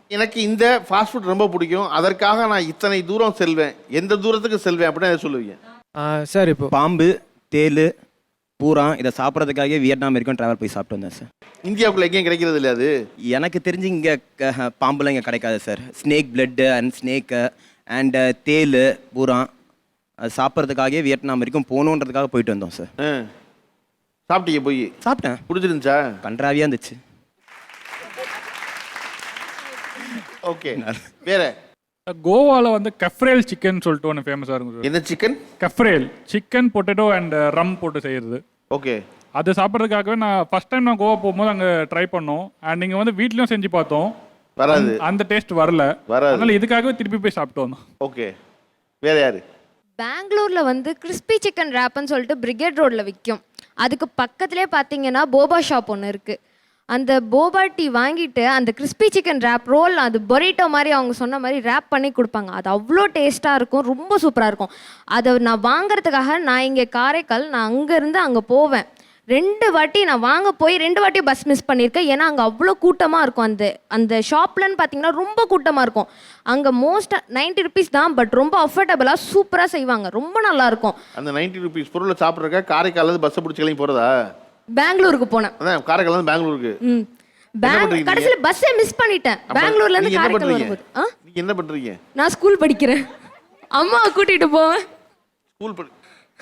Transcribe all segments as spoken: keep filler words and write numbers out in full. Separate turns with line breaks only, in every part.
எனக்கு இந்த fast food ரொம்ப பிடிக்கும், அதற்காக நான் இத்தனை தூரம் செல்வேன், எந்த தூரத்துக்கு செல்வேன் அப்படின்னு எதை சொல்லுவீங்க?
சார் இப்போ
பாம்பு, தேள், பூரா இதை சாப்பிட்றதுக்காகவே வியட்நாம் வரைக்கும் ட்ராவல் போய் சாப்பிட்டு வந்தேன் சார்.
இந்தியாவுக்குள்ள எங்கேயும் கிடைக்கிறது இல்லை அது?
எனக்கு தெரிஞ்சு இங்கே பாம்புலாம் இங்கே கிடைக்காது sir. Snake blood and snake and தேள், பூரா அது சாப்பிட்றதுக்காகவே வியட்நாம் வரைக்கும் போகணுன்றதுக்காக போயிட்டு வந்தோம் சார்.
ஆ சாப்பிட்டீங்க? போய்
சாப்பிட்டேன்.
பிடிச்சிருந்துச்சா?
கன்றாவியாக இருந்துச்சு.
ஓகே, வேற?
கோவாவில் வந்து கஃப்ரேல் சிக்கன் சொல்லிட்டு ஒன்று ஃபேமஸாக இருக்கும் சார்.
என்ன சிக்கன்?
கஃப்ரேல் சிக்கன், பொட்டேட்டோ அண்ட் ரம் போட்டு செய்கிறது.
ஓகே,
அது சாப்பிட்றதுக்காகவே நான் ஃபர்ஸ்ட் டைம் நான் கோவா போகும்போது அங்கே ட்ரை பண்ணோம். அண்ட் நீங்கள் வந்து வீட்லேயும் செஞ்சு பார்த்தோம்,
வராது,
அந்த டேஸ்ட் வரல,
வராது.
அதனால இதுக்காகவே திருப்பி போய் சாப்பிட்டு வந்தோம்.
ஓகே, வேற யாரு?
பெங்களூரில் வந்து கிறிஸ்பி சிக்கன் ரேப்புன்னு சொல்லிட்டு பிரிகேட் ரோடில் விற்கும். அதுக்கு பக்கத்துலேயே பார்த்தீங்கன்னா போபா ஷாப் ஒன்று இருக்குது. அந்த போபா டீ வாங்கிட்டு அந்த கிறிஸ்பி சிக்கன் ரேப் ரோல், அது பொரிட்டோ மாதிரி அவங்க சொன்ன மாதிரி ரேப் பண்ணி கொடுப்பாங்க. அது அவ்வளோ டேஸ்ட்டாக இருக்கும், ரொம்ப சூப்பராக இருக்கும். அதை நான் வாங்குறதுக்காக நான் இங்கே காரைக்கால், நான் அங்கேருந்து அங்கே போவேன். ரெண்டு வாட்டி நான் வாங்க போய் ரெண்டு வாட்டி பஸ் மிஸ் பண்ணியிருக்கேன். ஏன்னா அங்கே அவ்வளோ கூட்டமாக இருக்கும். அந்த அந்த ஷாப்லன்னு பார்த்தீங்கன்னா ரொம்ப கூட்டமாக இருக்கும். அங்கே மோஸ்ட்டாக நைன்ட்டி ருபீஸ் தான், பட் ரொம்ப அஃபோர்டபுளாக சூப்பராக செய்வாங்க, ரொம்ப நல்லாயிருக்கும்.
அந்த நைன்ட்டி ருபீஸ் பொருளை சாப்பிட்றக்கா காரைக்காலில் பஸ்ஸை பிடிச்சி கிளம்பி போகிறதா?
பெங்களூருக்கு போனேன்.
அதான் காரைக்கால் பெங்களூருக்கு.
ம், கடைசியில் பஸ்ஸை மிஸ் பண்ணிட்டேன். பெங்களூர்லேருந்து காரைக்கால் வரும்போது. ஆ,
நீங்கள் என்ன பண்ணுறீங்க?
நான் ஸ்கூல் படிக்கிறேன், அம்மாவை கூட்டிகிட்டு போவேன்.
ஸ்கூல் படி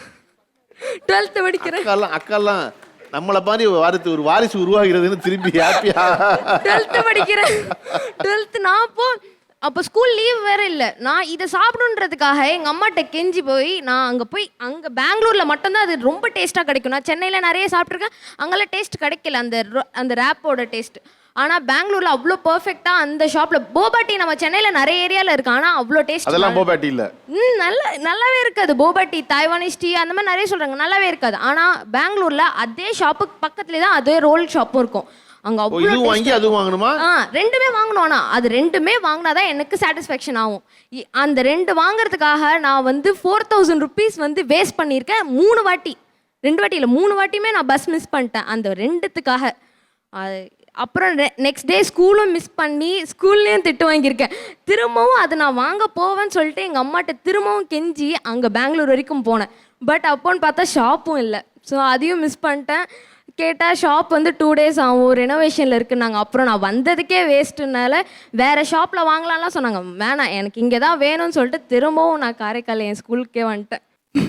டுவெல்த்து படிக்கிறேன்.
அக்காலாம் அக்காலாம் நம்மளை மாதிரி வாரிசு ஒரு வாரிசு உருவாகிறதுன்னு திரும்பி ஹாப்பியா?
டுவெல்த்து படிக்கிறேன். டுவெல்த்து நான் அப்போ அப்போ ஸ்கூல் லீவ் வேற இல்லை. நான் இதை சாப்பிடுன்றதுக்காக எங்கள் அம்மாட்ட கெஞ்சி போய் நான் அங்கே போய் அங்கே பெங்களூரில் மட்டும்தான் அது ரொம்ப டேஸ்ட்டாக கிடைக்கும். நான் சென்னையில் நிறைய சாப்பிட்ருக்கேன், அங்கெல்லாம் டேஸ்ட் கிடைக்கல அந்த அந்த ரேப்போட டேஸ்ட். ஆனால் பெங்களூரில் அவ்வளோ பர்ஃபெக்டாக அந்த ஷாப்பில் போபா டீ நம்ம சென்னையில் நிறைய ஏரியாவில் இருக்கு, ஆனால் அவ்வளோ டேஸ்ட்.
அதெல்லாம் போபா டீ இல்லை.
ம், நல்ல நல்லாவே இருக்காது. போபா டீ, தாய்வானிஸ் டீ அந்த மாதிரி நிறைய சொல்கிறாங்க, நல்லாவே இருக்காது. ஆனால் பெங்களூரில் அதே ஷாப்புக்கு பக்கத்துலேயே தான் அதே ரோல் ஷாப்பும் இருக்கும். அங்கே அவ்வளோ
வாங்கி அதுவும் வாங்கணுமா?
ஆ, ரெண்டுமே வாங்கணும். ஆனால் அது ரெண்டுமே வாங்கினாதான் எனக்கு சாட்டிஸ்ஃபேக்ஷன் ஆகும். அந்த ரெண்டு வாங்குறதுக்காக நான் வந்து ஃபோர் தௌசண்ட் ருபீஸ் வந்து வேஸ்ட் பண்ணியிருக்கேன் மூணு வாட்டி. ரெண்டு வாட்டி இல்லை, மூணு வாட்டியுமே நான் பஸ் மிஸ் பண்ணிட்டேன் அந்த ரெண்டுத்துக்காக. அப்புறம் நெக்ஸ்ட் டே ஸ்கூலும் மிஸ் பண்ணி ஸ்கூல்லேயும் திட்டு வாங்கியிருக்கேன். திரும்பவும் அது நான் வாங்க போவேன்னு சொல்லிட்டு எங்கள் அம்மாட்ட திரும்பவும் கெஞ்சி அங்கே பெங்களூர் வரைக்கும் போனேன். பட் அப்போன்னு பார்த்தா ஷாப்பும் இல்லை. ஸோ அதையும் மிஸ் பண்ணிட்டேன். கேட்டால் ஷாப் வந்து டூ டேஸ் ஆகும், ரெனோவேஷனில் இருக்குன்னாங்க. அப்புறம் நான் வந்ததுக்கே வேஸ்ட்டுனால வேறு ஷாப்பில் வாங்கலாம்லாம் சொன்னாங்க. வேணாம், எனக்கு இங்கே தான் வேணும்னு சொல்லிட்டு திரும்பவும் நான் காரைக்கால் என் ஸ்கூலுக்கே வந்துட்டேன்.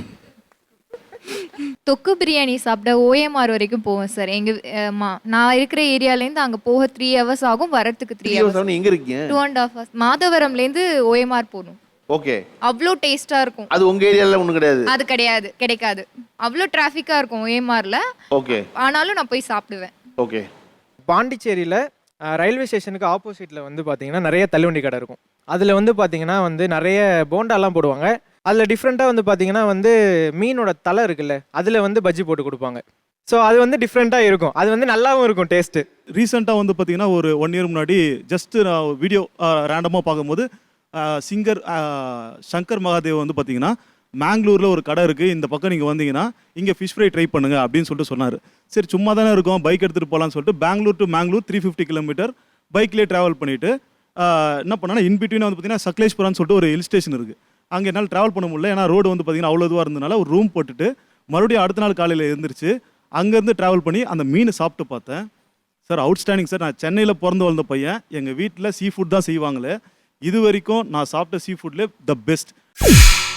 தொக்கு பிரியாணி சாப்பிட ஓஎம்ஆர் வரைக்கும் போவேன் சார். எங்கள் நான் இருக்கிற ஏரியாலேருந்து அங்கே போக த்ரீ ஹவர்ஸ் ஆகும், வரத்துக்கு த்ரீ ஹவர்ஸ்.
எங்கே இருக்கீங்க?
Two and half hours. மாதவரம்லேருந்து ஓஎம்ஆர் போகணும்.
ஓகே,
அவ்வளோ டேஸ்ட்டாக இருக்கும்.
அது உங்கள் ஏரியாவில் ஒன்றும் கிடையாது?
அது கிடையாது, கிடைக்காது. அவ்வளோ டிராஃபிக்காக இருக்கும் ஓஎம்ஆரில்.
ஓகே,
ஆனாலும் நான் போய் சாப்பிடுவேன்.
ஓகே.
பாண்டிச்சேரியில் ரயில்வே ஸ்டேஷனுக்கு ஆப்போசிட்டில் வந்து பார்த்தீங்கன்னா நிறைய தள்ளுவண்டி கடை இருக்கும். அதில் வந்து பார்த்தீங்கன்னா வந்து நிறைய போண்டாலாம் போடுவாங்க. அதில் டிஃப்ரெண்ட்டாக வந்து பார்த்தீங்கன்னா வந்து மீனோட தலை இருக்குல்ல, அதில் வந்து பஜ்ஜி போட்டு கொடுப்பாங்க. ஸோ அது வந்து டிஃப்ரெண்ட்டாக இருக்கும், அது வந்து நல்லாவும் இருக்கும் டேஸ்ட்டு.
ரீசெண்டாக வந்து பார்த்தீங்கன்னா ஒரு ஒன் இயர் முன்னாடி ஜஸ்ட்டு நான் வீடியோ ரேண்டமாக பார்க்கும்போது சிங்கர் சங்கர் மகாதேவ் வந்து பார்த்தீங்கன்னா மேங்களூரில் ஒரு கடை இருக்குது, இந்த பக்கம் நீங்கள் வந்தீங்கன்னா இங்கே ஃபிஷ் ஃப்ரை ட்ரை பண்ணுங்க அப்படின்னு சொல்லிட்டு சொன்னார். சரி சும்மா தானே இருக்கும், பைக் எடுத்துகிட்டு போகலான்னு சொல்லிட்டு Bangalore to Mangalore three fifty kilometre பைக்லேயே ட்ராவல் பண்ணிவிட்டு என்ன பண்ணால் இன்பிட்வீன் வந்து பார்த்தீங்கன்னா சக்லேஷ்புரான்னு சொல்லிட்டு ஒரு ஹில் ஸ்டேஷன் இருக்குது. அங்கே என்னால் ட்ராவல் பண்ண முடியல, ஏன்னா ரோடு வந்து பார்த்தீங்கன்னா அவ்வளோ இதுவாக இருந்ததுனால ஒரு ரூம் போட்டுட்டு மறுபடியும் அடுத்த நாள் காலையில் எழுந்திரிச்சு அங்கேருந்து ட்ராவல் பண்ணி அந்த மீனை சாப்பிட்டு பார்த்தேன். Sir outstanding sir. நான் சென்னையில் பிறந்து வளர்ந்த பையன், எங்கள் வீட்டில் சீ ஃபுட் தான் செய்வாங்களே, இது வரைக்கும் நான் சாப்பிட்ட சீ ஃபுட்லேயே த பெஸ்ட்.